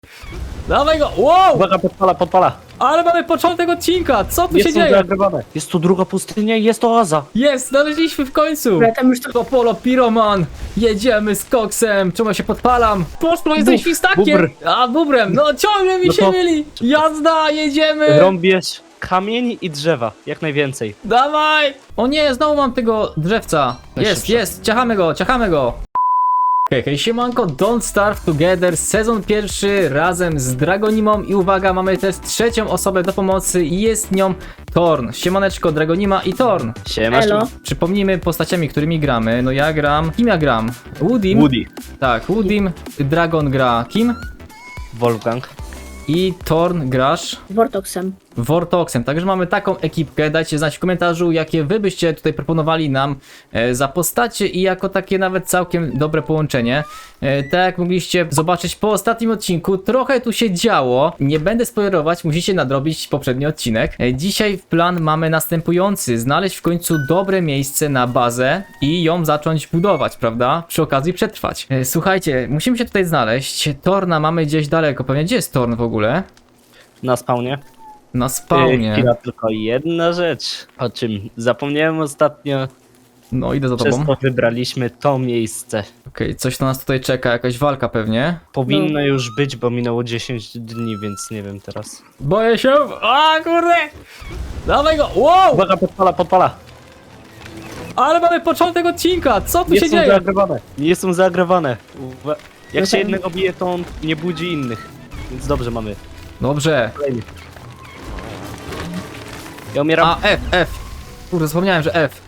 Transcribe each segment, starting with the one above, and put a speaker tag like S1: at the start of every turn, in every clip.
S1: Dawaj go! Wow!
S2: Uwaga, podpala.
S1: Ale mamy początek odcinka! Co tu się
S2: Jest tu
S1: dzieje?
S2: zaagregowane. Jest tu druga pustynia i jest oaza.
S1: Jest! Znaleźliśmy w końcu!
S3: Dobra, tam już to...
S1: To Polo Piroman! Jedziemy z koksem! Czemu ja się podpalam? Poszło, jestem
S2: Bub,
S1: świstakiem!
S2: bubr.
S1: A, bubrem! No ciągle mi
S2: No
S1: się
S2: to-
S1: myli! Jazda! Jedziemy!
S2: Rąbiesz kamień i drzewa, jak najwięcej.
S1: Dawaj! O nie, znowu mam tego drzewca. Jest, ciachamy go. Hej, siemanko, Don't Starve Together, sezon pierwszy razem z Dragonimą i uwaga, mamy też trzecią osobę do pomocy i jest nią Thorn. Siemaneczko, Dragonima i Thorn.
S2: Siemasz.
S3: Elo.
S1: Przypomnijmy postaciami, którymi gramy. No ja gram... Kim ja gram? Woodim?
S2: Woody.
S1: Tak, Woodim, Dragon gra kim?
S2: Wolfgang.
S1: I Thorn grasz
S3: Vortoxem.
S1: Vortoxem. Także mamy taką ekipkę. Dajcie znać w komentarzu, jakie wy byście tutaj proponowali nam za postacie i jako takie nawet całkiem dobre połączenie. Tak jak mogliście zobaczyć po ostatnim odcinku, trochę tu się działo. Nie będę spoilerować, musicie nadrobić poprzedni odcinek. Dzisiaj w plan mamy następujący. Znaleźć w końcu dobre miejsce na bazę i ją zacząć budować, prawda? Przy okazji przetrwać. Słuchajcie, musimy się tutaj znaleźć. Torna mamy gdzieś daleko. Pewnie gdzie jest Torn w ogóle?
S2: Na spawnie.
S1: Na spawnie.
S2: Chwila, tylko jedna rzecz, o czym zapomniałem ostatnio.
S1: No, idę za
S2: Przez
S1: tobą.
S2: to wybraliśmy to miejsce.
S1: Okej, coś to nas tutaj czeka, jakaś walka pewnie.
S2: Powinno już być, bo minęło 10 dni, więc nie wiem teraz.
S1: Boję się! A kurde! Dawaj go! Wow!
S2: Uwaga, podpala.
S1: Ale mamy początek odcinka! Co tu
S2: Nie
S1: się
S2: są
S1: dzieje?
S2: zaagregowane. Nie są zaagregowane. Jak
S3: No
S2: się
S3: tak.
S2: jednego bije, to on nie budzi innych. Więc dobrze mamy.
S1: Dobrze.
S2: Kolejny. Ja umieram.
S1: A, F. Kurde, zapomniałem, że F.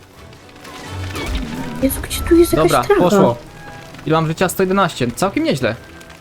S3: Jezu, gdzie tu jest jakaś
S1: Dobra,
S3: trawa?
S1: poszło. Ile mam życia? 111. Całkiem nieźle.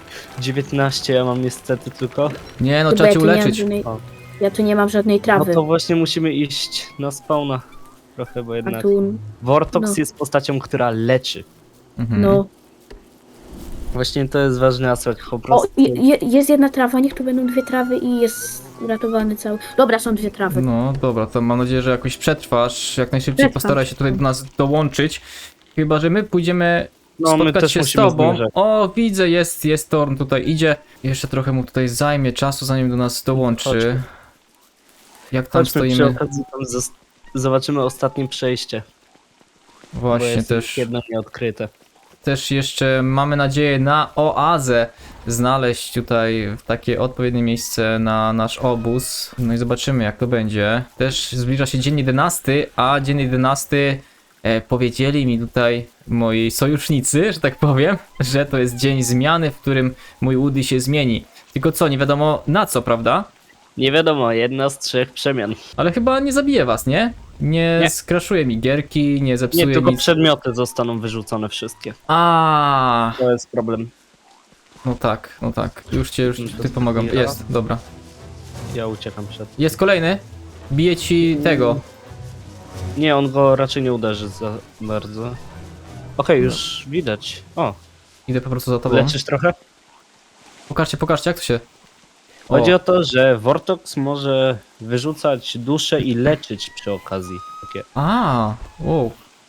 S2: 19 ja mam niestety tylko.
S1: Nie no,
S3: Chyba
S1: trzeba
S3: ja
S1: cię
S3: tu nie mam
S1: uleczyć.
S3: żadnej...
S2: O.
S3: Ja tu nie mam żadnej
S2: No
S3: trawy.
S2: to właśnie musimy iść na spawna. Trochę, bo
S3: A
S2: jednak
S3: tu...
S2: Vortox
S3: no.
S2: jest postacią, która leczy.
S1: Mhm.
S3: No.
S2: Właśnie to jest ważny aspekt, po
S3: O,
S2: prostu.
S3: jest jedna trawa, niech tu będą dwie trawy i jest uratowany cały... Dobra, są dwie trawy.
S1: No dobra, to mam nadzieję, że jakoś przetrwasz. Jak najszybciej
S3: Przetrwam.
S1: postaraj się tutaj do nas dołączyć. Chyba, że my pójdziemy
S2: No, my
S1: spotkać
S2: też
S1: się z
S2: musimy
S1: tobą.
S2: zmierzać.
S1: O, widzę, jest Thorn tutaj idzie. Jeszcze trochę mu tutaj zajmie czasu, zanim do nas dołączy.
S2: Chodźmy.
S1: Jak tam
S2: Chodźmy przy
S1: stoimy?
S2: okazji tam zobaczymy ostatnie przejście. Bo
S1: Właśnie
S2: jest
S1: też.
S2: jedno nieodkryte.
S1: Też jeszcze mamy nadzieję na oazę znaleźć tutaj takie odpowiednie miejsce na nasz obóz. No i zobaczymy jak to będzie. Też zbliża się dzień 11, a dzień 11 powiedzieli mi tutaj moi sojusznicy, że tak powiem, że to jest dzień zmiany, w którym mój Woody się zmieni. Tylko co, nie wiadomo na co, prawda?
S2: Nie wiadomo, jedna z 3 przemian.
S1: Ale chyba nie zabije was, nie? Nie, skraszuje mi gierki, nie zepsuje
S2: Nie, tylko
S1: nic.
S2: przedmioty zostaną wyrzucone wszystkie.
S1: A,
S2: To jest problem.
S1: no tak. Już
S2: To
S1: ty pomagam.
S2: zbiera.
S1: Jest, dobra.
S2: Ja uciekam przed.
S1: Jest kolejny. Bije ci tego.
S2: Nie, on go raczej nie uderzy za bardzo. Okej, już widać. O,
S1: Idę po prostu za tobą.
S2: leczysz trochę?
S1: Pokażcie jak to się...
S2: Chodzi
S1: O,
S2: o to, że Vortox może wyrzucać duszę i leczyć przy okazji. Takie.
S1: a, wow.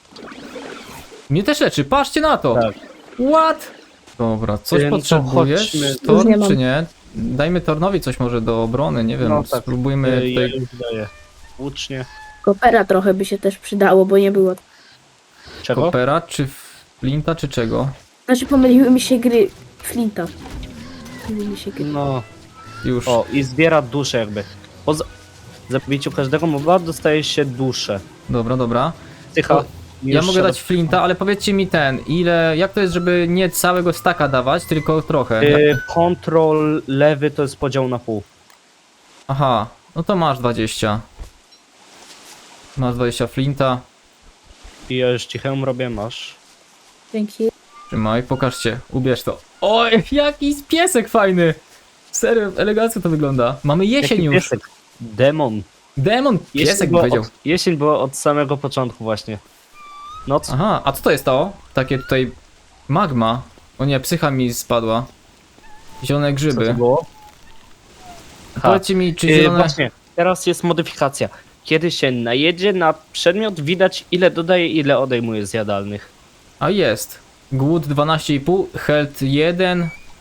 S1: Mnie też leczy, patrzcie na to.
S2: Tak.
S1: What? Dobra, coś
S2: No to
S1: potrzebujesz?
S2: chodźmy.
S3: Już nie
S1: Torn
S3: mam.
S1: czy nie? Dajmy Tornowi coś może do obrony, nie wiem,
S2: No tak.
S1: spróbujmy
S2: Ja
S1: tutaj...
S2: już daję. Łucznie.
S3: Kopera trochę by się też przydało, bo nie było...
S2: Czego?
S1: Kopera, czy flinta, czy czego?
S3: Znaczy pomyliły mi się gry. Flinta. Pomyliły mi się gry.
S2: No.
S1: Już.
S2: O, i zbiera duszę jakby. Po zabiciu każdego moba dostaje się duszę.
S1: Dobra.
S2: Tycha.
S1: O, Ja mogę dać flinta, ale powiedzcie mi jak to jest, żeby nie całego staka dawać, tylko trochę?
S2: Kontrol lewy to jest podział na pół.
S1: Aha, no to masz 20. Masz 20 flinta.
S2: I ja już cichę robię, masz.
S3: Dzięki.
S1: Trzymaj, pokażcie, ubierz to. Oj, jaki piesek fajny! Serio, elegancko to wygląda. Mamy jesień
S2: Jaki
S1: już.
S2: piesek? Demon.
S1: Demon, piesek
S2: była
S1: powiedział.
S2: Jesień była od samego początku właśnie. Noc.
S1: Aha, a co to jest to? Takie tutaj magma. O nie, psycha mi spadła. Zielone
S2: Co to
S1: grzyby.
S2: było?
S1: Powiedzcie mi, czy zielone...
S2: Właśnie, teraz jest modyfikacja. Kiedy się najedzie na przedmiot, widać ile dodaje, ile odejmuje z jadalnych.
S1: A jest. Głód 12,5, health 1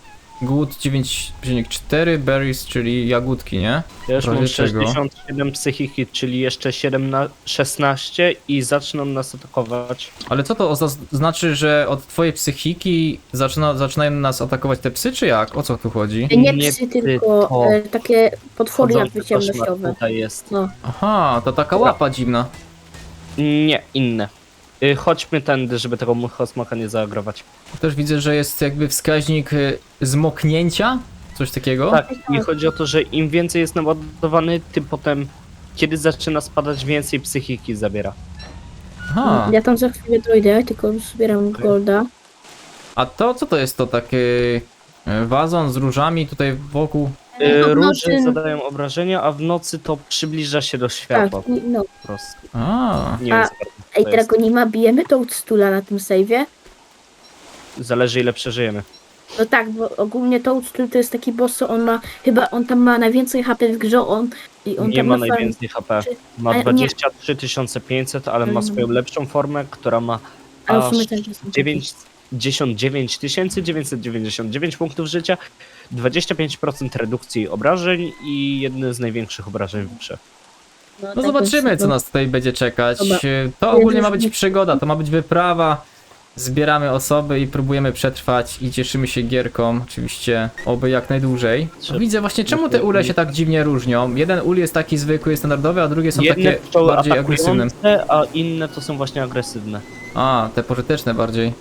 S1: Good 9,4, berries, czyli jagódki, nie?
S2: Ja już
S1: W razie
S2: mam
S1: czego?
S2: 67 psychiki, czyli jeszcze 16 i zaczną nas atakować.
S1: Ale co to znaczy, że od twojej psychiki zaczynają nas atakować te psy, czy jak? O co tu chodzi?
S3: Nie
S2: Nie
S3: psy,
S2: psy,
S3: tylko
S2: to
S3: takie potwory jakby
S2: Chodzący koszmar
S3: ciemnościowe.
S2: tutaj jest.
S3: No.
S1: Aha, to taka łapa dziwna.
S2: Nie, inne. Chodźmy tędy, żeby tego muchosmoka nie zaagrować.
S1: Też widzę, że jest jakby wskaźnik zmoknięcia, coś takiego.
S2: Tak, i chodzi o to, że im więcej jest naładowany, tym potem, kiedy zaczyna spadać, więcej psychiki zabiera.
S1: Aha,
S3: Ja tam za chwilę dojdę, tylko zbieram
S2: Okej.
S3: golda.
S1: a to co to jest to takie wazon z różami tutaj wokół?
S3: w
S2: Róże
S3: nocy-
S2: zadają obrażenia, a w nocy to przybliża się do
S3: Tak,
S2: światła
S3: no.
S2: po prostu.
S1: A,
S2: Nie wiem, co
S3: Ej,
S2: to jest.
S3: Dragonima, bijemy tą stula na tym save'ie?
S2: Zależy ile przeżyjemy.
S3: No tak, bo ogólnie Toadstool to jest taki boss, co on ma, chyba on tam ma najwięcej HP w grze, on
S2: Nie
S3: tam
S2: ma
S3: farm-
S2: najwięcej HP. Ma
S3: Ale nie-
S2: 23 500, ale ma swoją lepszą formę, która ma
S3: Ale w
S2: aż
S3: sumie też jest
S2: 99 999 punktów życia, 25% redukcji obrażeń i jedne z największych obrażeń w grze.
S3: No,
S1: no
S3: tak
S1: zobaczymy,
S3: jest,
S1: co nas tutaj będzie czekać.
S3: Dobra.
S1: To ogólnie ma być przygoda, to ma być wyprawa. Zbieramy osoby i próbujemy przetrwać i cieszymy się gierką, oczywiście, oby jak najdłużej.
S2: Trzeba-
S1: Widzę właśnie, czemu te ule się tak dziwnie różnią. Jeden ul jest taki zwykły, standardowy, a drugie są
S2: Jedne
S1: takie
S2: pszczoły
S1: bardziej agresywne.
S2: atakujące, a inne to są właśnie agresywne.
S1: A, te pożyteczne bardziej.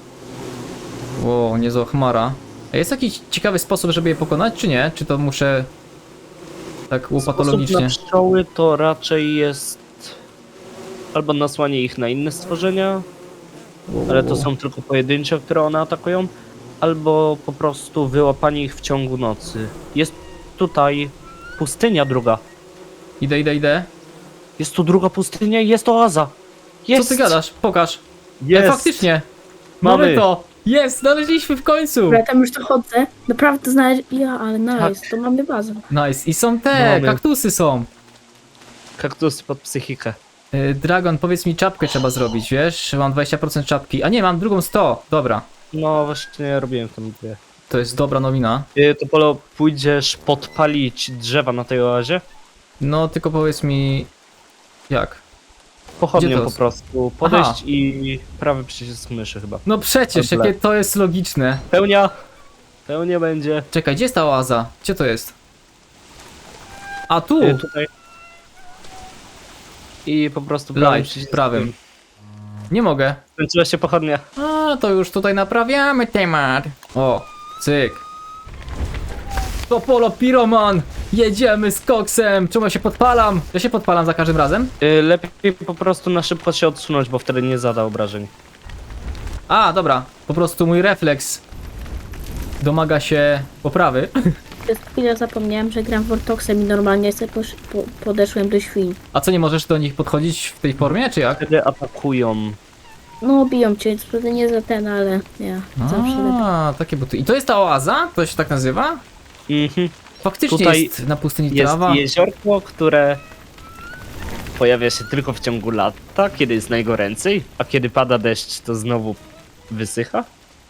S1: Wow, niezła chmara. A jest jakiś ciekawy sposób, żeby je pokonać, czy nie? Czy to muszę tak
S2: Sposób
S1: łopatologicznie?
S2: na pszczoły to raczej jest albo nasłanie ich na inne stworzenia, ale to są tylko pojedyncze, które one atakują, albo po prostu wyłapanie ich w ciągu nocy. Jest tutaj pustynia druga.
S1: Idę.
S2: Jest tu druga pustynia i jest oaza. Jest!
S1: Co ty gadasz? Pokaż.
S2: Jest!
S1: Faktycznie. Mamy
S2: Mamy.
S1: to. Jest, znaleźliśmy w końcu.
S3: Dobra, tam już dochodzę. Naprawdę znaleźć. Ja, ale nice,
S1: Tak.
S3: to mamy bazę.
S1: Nice. I są te,
S2: Mamy.
S1: kaktusy są.
S2: Kaktusy pod psychikę.
S1: Dragon, powiedz mi, czapkę trzeba zrobić, wiesz? Mam 20% czapki. A nie, mam drugą 100. Dobra.
S2: No właśnie ja robiłem tam dwie.
S1: To jest dobra nowina.
S2: To Polo, pójdziesz podpalić drzewa na tej oazie?
S1: No, tylko powiedz mi... Jak? Gdzie
S2: Pochodnią
S1: to
S2: po
S1: jest?
S2: prostu. Podejść
S1: Aha.
S2: i prawy przycisk myszy chyba.
S1: No przecież,
S2: Dobra.
S1: jakie to jest logiczne.
S2: Pełnia! Pełnia będzie.
S1: Czekaj, gdzie jest ta oaza? Gdzie to jest? A tu!
S2: Tutaj. I po prostu prawym
S1: Light,
S2: przyciskiem.
S1: prawym. Nie mogę.
S2: Skończyła się pochodnia.
S1: A, to już tutaj naprawiamy temat. O, cyk. To Polo Piroman! Jedziemy z koksem! Czemu ja się podpalam? Ja się podpalam za każdym razem?
S2: Lepiej po prostu na szybko się odsunąć, bo wtedy nie zada obrażeń.
S1: A, dobra. Po prostu mój refleks domaga się poprawy.
S3: Przez chwilę zapomniałem, że gram Vortoxem i normalnie sobie podeszłem do świń.
S1: A co, nie możesz do nich podchodzić w tej formie, czy jak?
S2: Wtedy atakują.
S3: No, biją cię, wtedy nie za ten, ale ja zawsze lepiej.
S1: A, takie buty. I to jest ta oaza? To się tak nazywa?
S2: Mhm.
S1: Faktycznie
S2: Tutaj
S1: jest na pustyni
S2: Jest
S1: trawa.
S2: jeziorko, które pojawia się tylko w ciągu lata, kiedy jest najgoręcej, a kiedy pada deszcz, to znowu wysycha.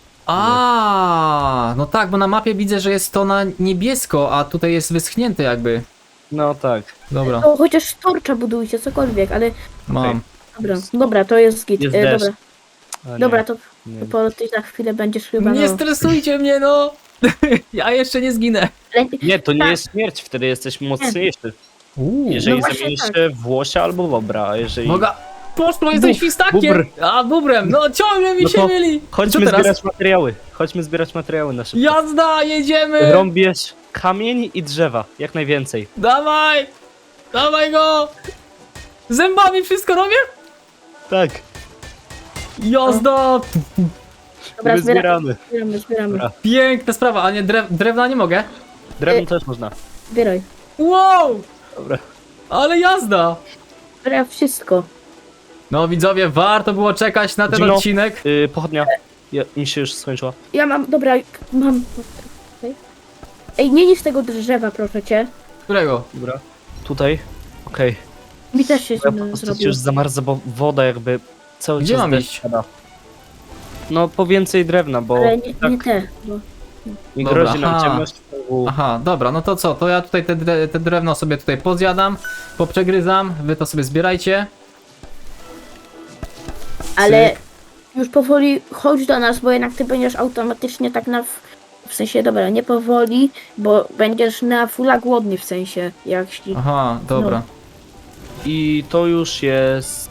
S1: A, no tak, bo na mapie widzę, że jest to na niebiesko, a tutaj jest wyschnięte jakby.
S2: No tak.
S1: Dobra,
S3: To chociaż torcza budujcie, cokolwiek, ale
S1: mam.
S3: dobra, to jest git.
S2: Jest deszcz.
S3: Dobra,
S2: A nie,
S3: dobra, to
S2: nie.
S3: po ty za chwilę będziesz chyba.
S1: Nie
S3: no.
S1: stresujcie mnie, no! Ja jeszcze nie zginę.
S3: Ale-
S2: Nie, to nie
S3: tak.
S2: jest śmierć, wtedy jesteś mocniejszy.
S1: Uuu,
S2: Jeżeli
S3: No właśnie
S2: zamienisz
S3: tak.
S2: się w łosia albo bobra, a jeżeli...
S1: Boga, poszło, jestem
S2: Bób,
S1: świstakiem!
S2: bubr.
S1: A, bubrem, no ciągle mi
S2: No
S1: się
S2: to
S1: myli! Co
S2: Chodźmy
S1: teraz?
S2: zbierać materiały. Chodźmy zbierać materiały na szybko.
S1: Jazda, jedziemy!
S2: Rąbiesz kamień i drzewa, jak najwięcej.
S1: Dawaj! Dawaj go! Zębami wszystko robię?
S2: Tak,
S1: Jazda!
S3: Dobra,
S2: my zbieramy.
S3: zbieramy.
S2: Dobra.
S1: Piękna sprawa, a nie drewna nie mogę?
S2: Drewno też można.
S3: Zbieraj.
S1: Wow!
S2: Dobra.
S1: Ale jazda!
S3: Zbieraj wszystko.
S1: No widzowie, warto było czekać na ten
S2: Gino.
S1: odcinek.
S2: Pochodnia. Mi się już skończyła.
S3: Ja mam, dobra, mam. Okej. Ej, nie niż tego drzewa, proszę cię.
S1: Którego?
S2: Dobra. Tutaj. Okej.
S3: Mi też się
S2: Ja po
S3: zimno
S2: prostu
S3: zrobiło.
S2: już zamarza, bo woda jakby cały
S1: Gdzie
S2: czas
S1: mam
S2: deszcz
S1: iść?
S2: pada. No po więcej drewna, bo
S3: Ale nie
S2: tak
S3: te, bo
S2: I
S1: Dobra,
S2: grozi nam
S1: aha.
S2: ciemność.
S1: Aha, dobra, no to co? To ja tutaj te drewno sobie tutaj pozjadam, poprzegryzam, wy to sobie zbierajcie.
S3: Ale już powoli chodź do nas, bo jednak ty będziesz automatycznie tak w sensie, dobra, nie powoli, bo będziesz na fulla głodny w sensie, jak ci...
S1: Aha, dobra.
S2: I to już jest...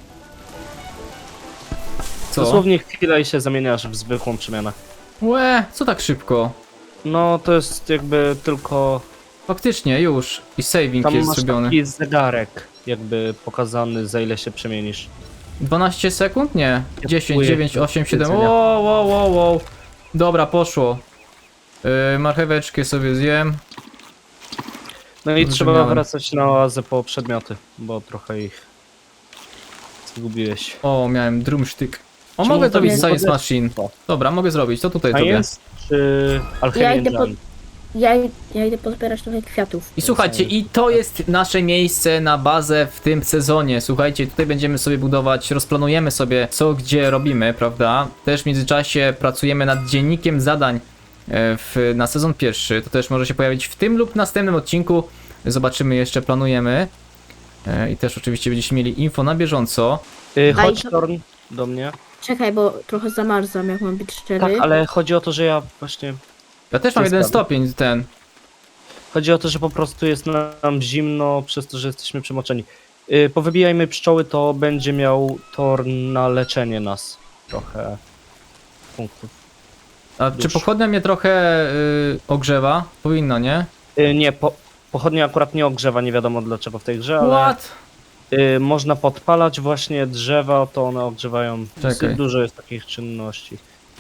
S1: Co?
S2: Dosłownie chwilę i się zamieniasz w zwykłą przemianę.
S1: Łe, co tak szybko?
S2: No to jest jakby tylko...
S1: Faktycznie, już. I saving
S2: Tam
S1: jest
S2: masz
S1: zrobiony.
S2: taki zegarek jakby pokazany, za ile się przemienisz.
S1: 12 sekund? Nie. 10,
S2: kupuję
S1: 9, 8, 7.
S2: jedzenia.
S1: Wow. Dobra, poszło. Marcheweczkę sobie zjem.
S2: No i
S1: Dobrze
S2: trzeba
S1: miałem.
S2: wracać na oazę po przedmioty, bo trochę ich zgubiłeś.
S1: O, miałem drumsztyk. O,
S2: Czemu
S1: mogę
S2: to
S1: zrobić
S2: nie
S1: Science
S2: mogę?
S1: Machine.
S2: O.
S1: Dobra, mogę zrobić. To tutaj
S2: A
S1: zrobię.
S2: jest czy Alchemy
S3: Ja idę po-
S2: Engine?
S3: Ja idę pozbierać trochę kwiatów.
S1: I słuchajcie, i to jest nasze miejsce na bazę w tym sezonie. Słuchajcie, tutaj będziemy sobie budować, rozplanujemy sobie co gdzie robimy, prawda? Też w międzyczasie pracujemy nad dziennikiem zadań na sezon pierwszy. To też może się pojawić w tym lub następnym odcinku. Zobaczymy jeszcze, planujemy. I też oczywiście będziecie mieli info na bieżąco.
S2: Chodź
S3: to-
S2: Torn do mnie.
S3: Czekaj, bo trochę zamarzam, jak mam być szczery.
S2: Tak, ale chodzi o to, że ja właśnie...
S1: Ja też mam
S2: Jest
S1: 1
S2: sprawa.
S1: stopień ten.
S2: Chodzi o to, że po prostu jest nam zimno przez to, że jesteśmy przemoczeni. Powybijajmy pszczoły, to będzie miał Torn na leczenie nas. Trochę punktów.
S1: A czy
S2: Już.
S1: pochodnia mnie trochę ogrzewa? Powinno, nie?
S2: Nie, pochodnia akurat nie ogrzewa, nie wiadomo dlaczego w tej grze, ale
S1: What?
S2: można podpalać właśnie drzewa, to one ogrzewają.
S1: Czekaj.
S2: Dosyć dużo jest takich czynności.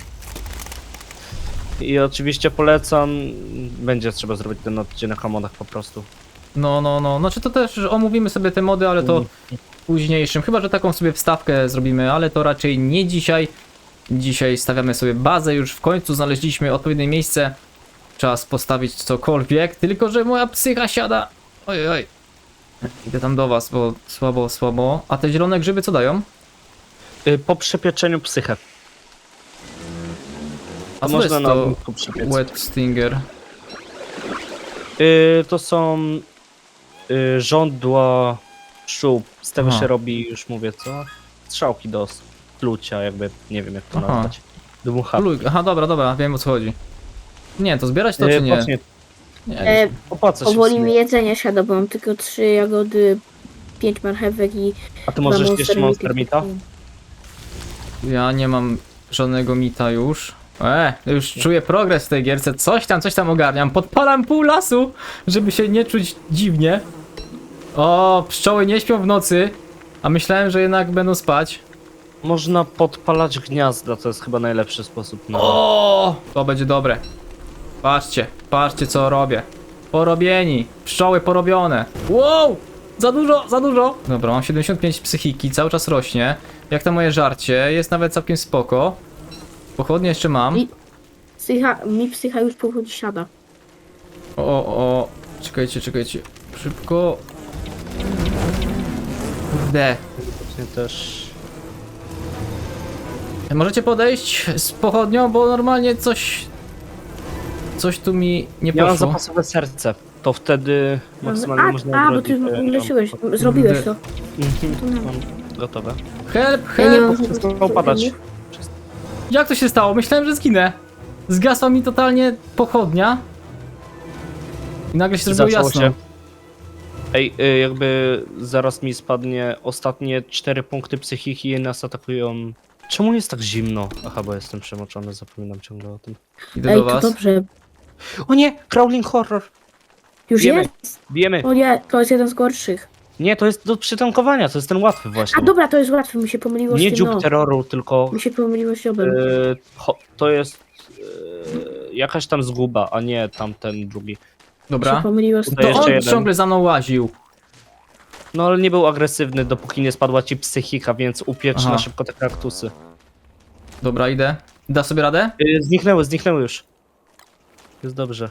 S2: I oczywiście polecam, będzie trzeba zrobić ten odcinek o modach po prostu.
S1: No. Znaczy to też omówimy sobie te mody, ale to w późniejszym. Chyba, że taką sobie wstawkę zrobimy, ale to raczej nie dzisiaj. Dzisiaj stawiamy sobie bazę, już w końcu znaleźliśmy odpowiednie miejsce. Czas postawić cokolwiek, tylko że moja psycha siada. Oj. Idę tam do was, bo słabo. A te zielone grzyby co dają?
S2: Po przepieczeniu psychę.
S1: A co to
S2: Można
S1: jest
S2: na
S1: to
S2: ognisku przypiec.
S1: wet stinger?
S2: To są żądła pszczół. Z tego
S1: Aha.
S2: się robi, już mówię co? Strzałki do plucia, jakby, nie wiem jak to
S1: Aha.
S2: nazwać. Dmucha.
S1: Aha, dobra, wiem o co chodzi. Nie, to zbierać to czy nie?
S2: Właśnie,
S1: Nie.
S2: opłaca się w
S3: Powoli mi
S2: sumie.
S3: jedzenie siada, bo mam tylko 3 jagody, 5 marchewek i...
S2: A ty możesz
S3: dwa
S2: jeszcze Monster Meata?
S1: Ja nie mam żadnego mita już. Już czuję progres w tej gierce. Coś tam ogarniam. Podpalam pół lasu, żeby się nie czuć dziwnie. O, pszczoły nie śpią w nocy. A myślałem, że jednak będą spać.
S2: Można podpalać gniazda, to jest chyba najlepszy sposób na...
S1: O, to będzie dobre. Patrzcie co robię. Porobieni. Pszczoły porobione. Wow! Za dużo. Dobra, mam 75 psychiki, cały czas rośnie. Jak to moje żarcie, jest nawet całkiem spoko. Pochodnie jeszcze mam.
S3: I- Mi psycha już powoli siada.
S1: O. Czekajcie. Szybko. Kurde.
S2: Właśnie też...
S1: Możecie podejść z pochodnią, bo normalnie coś tu mi nie
S2: Ja mam
S1: poszło.
S2: zapasowe serce. To wtedy maksymalnie można
S3: bo ty
S2: odrodzić,
S3: leczyłeś, zrobiłeś to.
S2: Mam gotowe.
S1: Help!
S3: Ja nie mam
S2: Przestało padać.
S1: Jak to się stało? Myślałem, że zginę. Zgasła mi totalnie pochodnia. I nagle się zrobiło
S2: Zaczęło
S1: jasno.
S2: się. Ej, jakby zaraz mi spadnie ostatnie 4 punkty psychiki i nas atakują. Czemu jest tak zimno? Aha, bo jestem przemoczony, zapominam ciągle o tym.
S1: Idę
S3: Ej,
S1: do
S3: to
S1: was.
S3: dobrze.
S2: O nie! Crawling horror!
S3: Już
S2: Wiemy.
S3: jest?
S2: Bijemy!
S3: O nie, to jest jeden z gorszych.
S2: Nie, to jest do przytankowania, to jest ten łatwy właśnie.
S3: A dobra, to jest łatwe, mi się pomyliło
S2: Nie
S3: z tym,
S2: dziób
S3: no.
S2: terroru, tylko
S3: Mi się pomyliło z dziobem.
S2: to jest jakaś tam zguba, a nie tamten drugi.
S3: Mi się
S1: Dobra.
S3: pomyliło z
S2: To
S1: To
S2: jeszcze
S1: on
S2: jeden.
S1: ciągle za mną łaził.
S2: No ale nie był agresywny, dopóki nie spadła ci psychika, więc upiecz
S1: Aha.
S2: na szybko te kaktusy.
S1: Dobra, idę. Da sobie radę?
S2: Zniknęły już. Jest dobrze.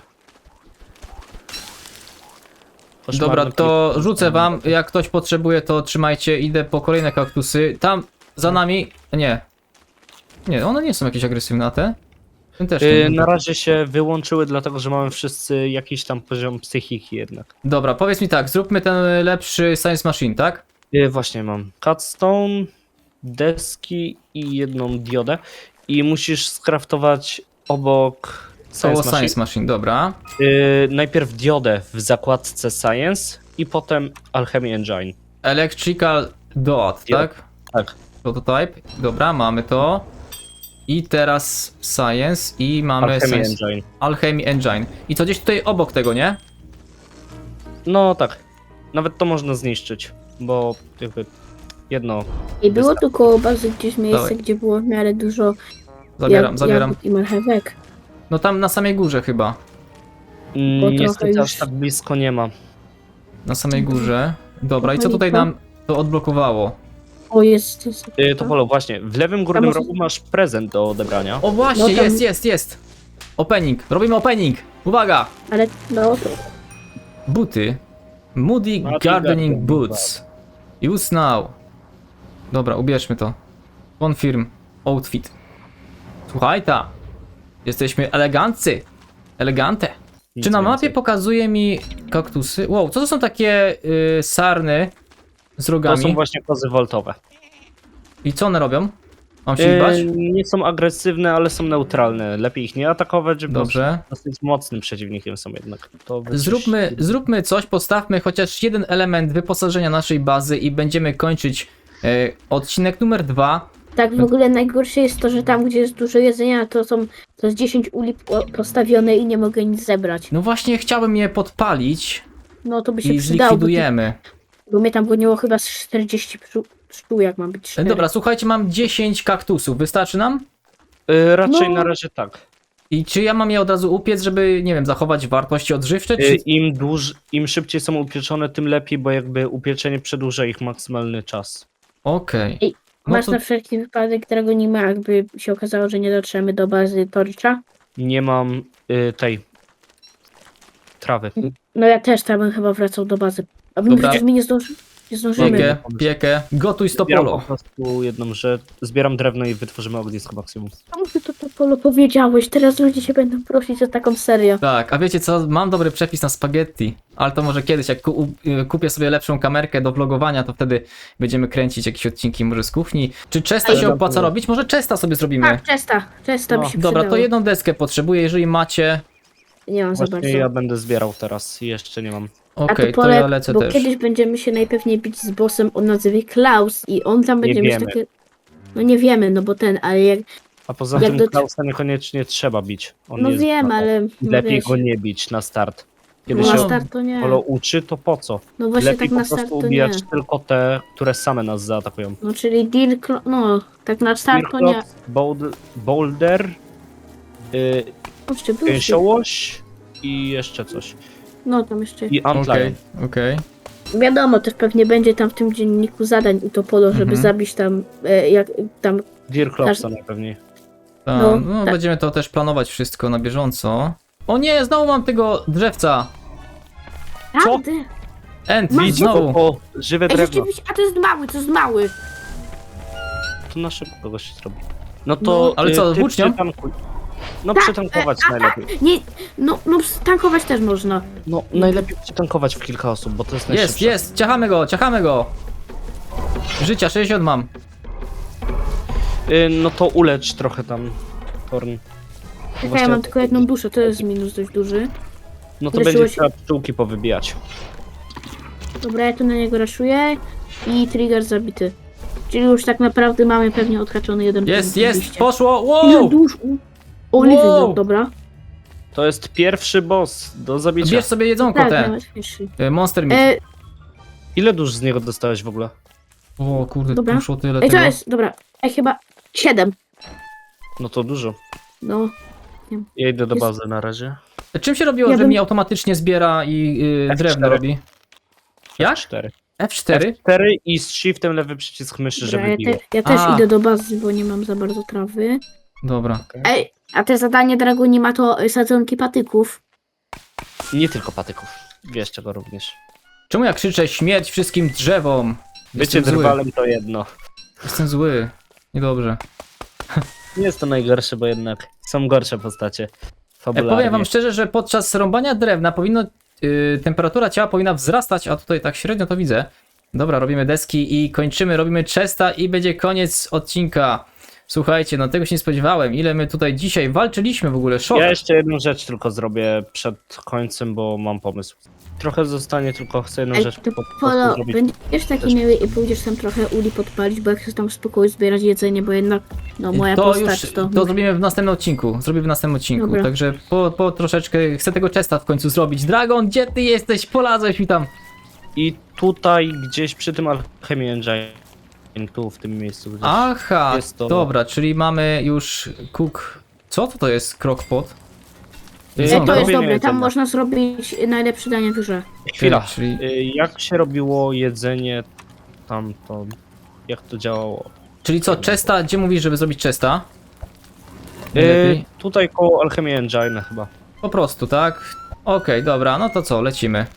S1: Dobra,
S2: Koszmarny
S1: to
S2: klip.
S1: rzucę wam. Jak ktoś potrzebuje, to trzymajcie. Idę po kolejne kaktusy. Tam za nami. Nie, one nie są jakieś agresywne, a te? Ten też nie.
S2: Na razie się wyłączyły, dlatego że mamy wszyscy jakiś tam poziom psychiki jednak.
S1: Dobra, powiedz mi tak, zróbmy ten lepszy Science Machine, tak?
S2: Właśnie mam cutstone, deski i jedną diodę. I musisz skraftować obok
S1: Koło
S2: Science Machine.
S1: Science Machine, dobra.
S2: Najpierw diodę w zakładce Science i potem Alchemy Engine.
S1: Electrical Dot, tak?
S2: Tak.
S1: Prototype, dobra, mamy to. I teraz Science i mamy
S2: Alchemy
S1: Science.
S2: Engine.
S1: Alchemy Engine. I to gdzieś tutaj obok tego, nie?
S2: No tak. Nawet to można zniszczyć, bo jakby jedno.
S3: I było tu koło bazy gdzieś miejsce,
S1: Dawaj.
S3: gdzie było w miarę dużo
S1: Zabieram.
S3: jagód i marchewek.
S1: No tam na samej górze chyba.
S3: Bo
S2: Niestety
S3: trochę
S2: aż
S3: już-
S2: tak blisko nie ma.
S1: Na samej górze. Dobra, i co
S3: Trochę
S1: tutaj
S3: lipa.
S1: nam to odblokowało?
S3: O, jest.
S2: To Polo, właśnie, w lewym górnym
S3: może-
S2: rogu masz prezent do odebrania.
S1: O właśnie,
S3: No tam-
S1: jest. Opening, robimy opening. Uwaga!
S3: Ale no,
S1: Buty. Moody
S2: Moody
S1: Gardening
S2: Gardening
S1: Boots. Use now. Dobra, ubierzmy to. Confirm outfit. Słuchaj ta. Jesteśmy eleganccy. Elegante.
S2: Nic
S1: Czy na mapie
S2: więcej.
S1: pokazuje mi kaktusy? Wow, co to są takie sarny z
S2: To
S1: rogami?
S2: są właśnie kozy woltowe.
S1: I co one robią? Mam się ich bać?
S2: Nie są agresywne, ale są neutralne. Lepiej ich nie atakować, bo
S1: Dobrze.
S2: dosyć mocnym przeciwnikiem są jednak. To
S1: Zróbmy coś, postawmy chociaż jeden element wyposażenia naszej bazy i będziemy kończyć odcinek numer 2.
S3: tak w ogóle najgorsze jest to, że tam gdzie jest dużo jedzenia, to jest 10 uli postawione i nie mogę nic zebrać.
S1: No właśnie chciałbym je podpalić
S3: No to by się
S1: i
S3: przydało,
S1: zlikwidujemy.
S3: bo mnie tam goniło chyba z 40 sztuk, jak mam być 4.
S1: Dobra, słuchajcie, mam 10 kaktusów, wystarczy nam?
S2: Raczej
S3: No.
S2: na razie tak.
S1: I czy ja mam je od razu upiec, żeby, nie wiem, zachować wartości odżywcze, czy...
S2: Im szybciej są upieczone, tym lepiej, bo jakby upieczenie przedłuża ich maksymalny czas.
S1: Okej.
S3: Ej,
S1: No
S3: Masz
S1: to
S3: na wszelki wypadek, którego nie ma, jakby się okazało, że nie dotrzemy do bazy Torcza?
S2: Nie mam tej trawy.
S3: No ja też tam bym chyba wracał do bazy. A my
S1: Dobra.
S3: przecież my nie zdążymy.
S1: piekę, gotuj
S2: Zbieram po
S1: stopolo.
S2: prostu jedną rzecz. Zbieram drewno i wytworzymy ognisko maksimum.
S3: Czemu ty to Polo powiedziałeś? Teraz ludzie się będą prosić o taką serię.
S1: Tak, a wiecie co, mam dobry przepis na spaghetti, ale to może kiedyś, jak kupię sobie lepszą kamerkę do vlogowania, to wtedy będziemy kręcić jakieś odcinki może z kuchni. Czy Chesta
S3: Ej,
S1: się opłaca robić? Może Chesta sobie zrobimy.
S3: Tak, Czesta by
S2: No,
S3: się
S1: Dobra,
S3: przydało.
S1: to jedną deskę potrzebuję, jeżeli macie.
S3: Nie mam za
S2: Właśnie
S3: bardzo.
S2: ja będę zbierał teraz i jeszcze nie mam.
S1: Okej, to
S3: Pole,
S1: ja lecę
S3: bo
S1: też.
S3: kiedyś będziemy się najpewniej bić z bossem o nazwie Klaus i on tam będzie mieć
S2: wiemy.
S3: takie... No nie wiemy, no bo ale jak...
S2: A poza
S3: Jak
S2: tym
S3: do-
S2: Klausa niekoniecznie trzeba bić. On
S3: No
S2: jest
S3: wiem,
S2: mało.
S3: ale... No
S2: Lepiej
S3: wiesz,
S2: go nie bić na start. Kiedy
S3: no
S2: się
S3: na start to nie.
S2: Polo uczy, to po co?
S3: No właśnie
S2: Lepiej
S3: tak na
S2: po
S3: start
S2: prostu
S3: to nie.
S2: ubijać tylko te, które same nas zaatakują.
S3: No czyli no tak na start to nie.
S2: Mirklot, Boulder,
S3: Jeszcze był
S2: Gęsiołoś i jeszcze coś.
S3: No tam jeszcze...
S2: I Antlion.
S1: Okej.
S3: Wiadomo, też pewnie będzie tam w tym dzienniku zadań u Topolo, żeby
S1: Mhm.
S3: zabić tam, jak tam...
S2: Dirklopsa najpewniej.
S1: No,
S3: No, tak.
S1: będziemy to też planować wszystko na bieżąco. O nie, znowu mam tego drzewca.
S2: Co?
S3: Prawdę?
S1: End,
S3: Masz
S1: znowu.
S2: O, żywe
S3: Ej,
S2: drewno.
S3: rzeczywiście, a to jest mały.
S2: To na szybko kogoś się zrobi. No to
S1: ale co,
S2: ty
S1: włócznią?
S2: przytankuj. No
S3: Tak,
S2: przytankować najlepiej.
S3: Nie, no tankować też można.
S2: No najlepiej przytankować w kilka osób, bo to jest
S1: Jest,
S2: najszybsze.
S1: jest, ciachamy go. Życia 60 mam.
S2: No to ulecz trochę tam, Torn.
S3: Czekaj, ja mam tylko jedną duszę, to jest minus dość duży.
S2: No to
S3: Leczyło
S2: będzie
S3: się-
S2: trzeba pszczółki powybijać.
S3: Dobra, ja tu na niego raszuję i trigger zabity. Czyli już tak naprawdę mamy pewnie odhaczony jeden
S1: Jest,
S3: punkt
S1: jest,
S3: oczywiście.
S1: poszło,
S3: Ile
S1: wow!
S3: dusz? Oliwy,
S1: Wow.
S3: dobra.
S2: To jest pierwszy boss do zabicia.
S1: Bierz sobie jedzonko
S3: Tak,
S1: te.
S3: najłatwiejszy.
S1: Monster Meat.
S2: Ile dusz z niego dostałeś w ogóle?
S1: O kurde,
S3: Dobra.
S1: poszło tyle
S3: Ej, to
S1: tego.
S3: jest, dobra, chyba 7.
S2: No to dużo.
S3: No,
S2: Ja idę do
S3: Jest-
S2: bazy na razie.
S1: Czym się robiło,
S3: Ja
S1: że
S3: bym-
S1: mi automatycznie zbiera i
S2: F4.
S1: drewno robi? Jak?
S2: 4.
S1: F4?
S2: F4 i z shiftem lewy przycisk myszy,
S3: dobra,
S2: żeby biło.
S3: ja też
S1: A.
S3: idę do bazy, bo nie mam za bardzo trawy.
S1: Dobra.
S3: Ej, a te zadanie Dragoni ma to sadzonki patyków.
S2: Nie tylko patyków. Wiesz czego również.
S1: Czemu ja krzyczę śmierć wszystkim drzewom?
S2: Bycie
S1: Jestem zły.
S2: drwalem to jedno.
S1: Jestem zły. Niedobrze.
S2: Nie jest to najgorsze, bo jednak Są gorsze postacie.
S1: Powiem
S2: Fabularnie.
S1: wam szczerze, że podczas rąbania drewna temperatura ciała powinna wzrastać, a tutaj tak średnio to widzę. Dobra, robimy deski i kończymy, robimy chesta i będzie koniec odcinka. Słuchajcie, no tego się nie spodziewałem, ile my tutaj dzisiaj walczyliśmy w ogóle, szok.
S2: Ja jeszcze jedną rzecz tylko zrobię przed końcem, bo mam pomysł. Trochę zostanie, tylko chcę jedną
S3: Ej,
S2: rzecz
S3: to
S2: po prostu
S3: Polo,
S2: zrobić.
S3: będziesz taki miły i pójdziesz tam trochę uli podpalić, bo jak chcesz tam w spokoju zbierać jedzenie, bo jednak, no moja
S1: To
S3: postać
S1: już,
S3: to...
S1: to zrobimy w następnym odcinku,
S3: Dobra.
S1: także po troszeczkę chcę tego chesta w końcu zrobić. Dragon, gdzie ty jesteś? Polazłeś mi tam.
S2: I tutaj gdzieś przy tym Alchemy Engine, tu w tym miejscu gdzieś.
S1: Aha,
S2: jest to-
S1: dobra, czyli mamy już cook... Co to jest crockpot?
S3: Ej,
S2: Co?
S3: to jest
S2: Robienie
S3: dobre, tam
S2: jedzenia.
S3: można zrobić najlepsze danie w grze.
S2: Chwila,
S1: Czyli-
S2: jak się robiło jedzenie tamto? Jak to działało?
S1: Czyli co, chesta, gdzie mówisz, żeby zrobić chesta? Najlepiej.
S2: Tutaj koło Alchemy Engine chyba.
S1: Po prostu, tak? Okej, dobra, no to co, lecimy.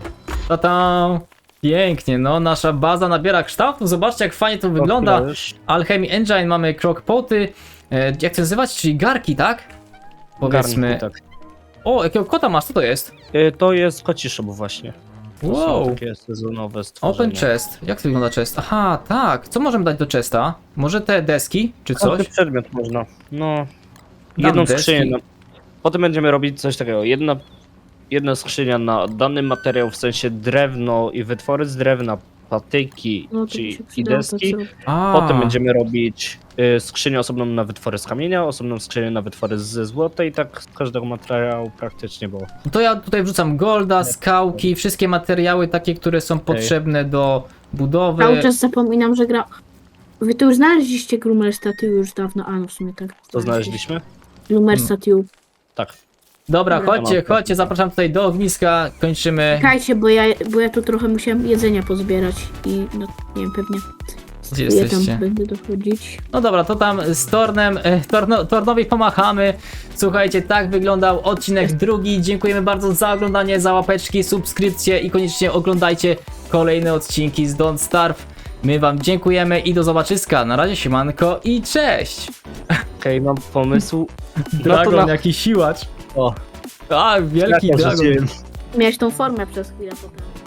S1: Ta-tam! Pięknie, no nasza baza nabiera kształtu, zobaczcie jak fajnie to wygląda.
S2: Chwila już.
S1: Alchemy Engine, mamy crockpoty, jak to nazywać, czyli garki, tak? Powiedzmy.
S2: Garnku, tak.
S1: O, jakiego kota masz, co to jest?
S2: To jest koci shop właśnie. To są
S1: Wow,
S2: takie sezonowe stworzenia.
S1: open chest, jak to wygląda chest? Aha, tak, co możemy dać do chesta? Może te deski, czy
S2: Każdy
S1: coś?
S2: przedmiot można. No.
S1: Dam
S2: Jedną
S1: deski.
S2: skrzynię. Potem będziemy robić coś takiego. Jedna skrzynia na dany materiał, w sensie drewno i wytwory z drewna, patyki
S3: No to
S2: czyli
S3: mi się
S2: i
S3: przydało
S2: deski.
S3: to, co...
S1: A,
S2: Potem będziemy robić skrzynię osobną na wytwory z kamienia, osobną skrzynię na wytwory ze złota i tak z każdego materiału praktycznie było.
S1: to ja tutaj wrzucam golda, skałki, wszystkie materiały takie, które są potrzebne do budowy.
S3: Cały czas zapominam, że gra... Wy tu już znaleźliście Gloomer Statue już dawno, a no w sumie tak.
S2: To znaleźliśmy?
S3: Gloomer Statue.
S2: Tak.
S1: Dobra,
S3: Dobra.
S1: chodźcie, zapraszam tutaj do ogniska, kończymy.
S3: Czekajcie, bo ja tu trochę musiałem jedzenia pozbierać i no nie wiem, pewnie
S1: Gdzie
S3: ja tam
S1: jesteście?
S3: będę dochodzić.
S1: No dobra, to tam z Tornem, Tornowi pomachamy. Słuchajcie, tak wyglądał odcinek drugi. Dziękujemy bardzo za oglądanie, za łapeczki, subskrypcje i koniecznie oglądajcie kolejne odcinki z Don't Starve. My wam dziękujemy i do zobaczyska. Na razie, siemanko i cześć!
S2: Okej, mam pomysł.
S1: Dragon, jaki siłacz.
S2: O,
S1: A, wielki
S2: ja
S1: dragon.
S2: rzuciłem.
S3: Miałeś tą formę przez chwilę potem.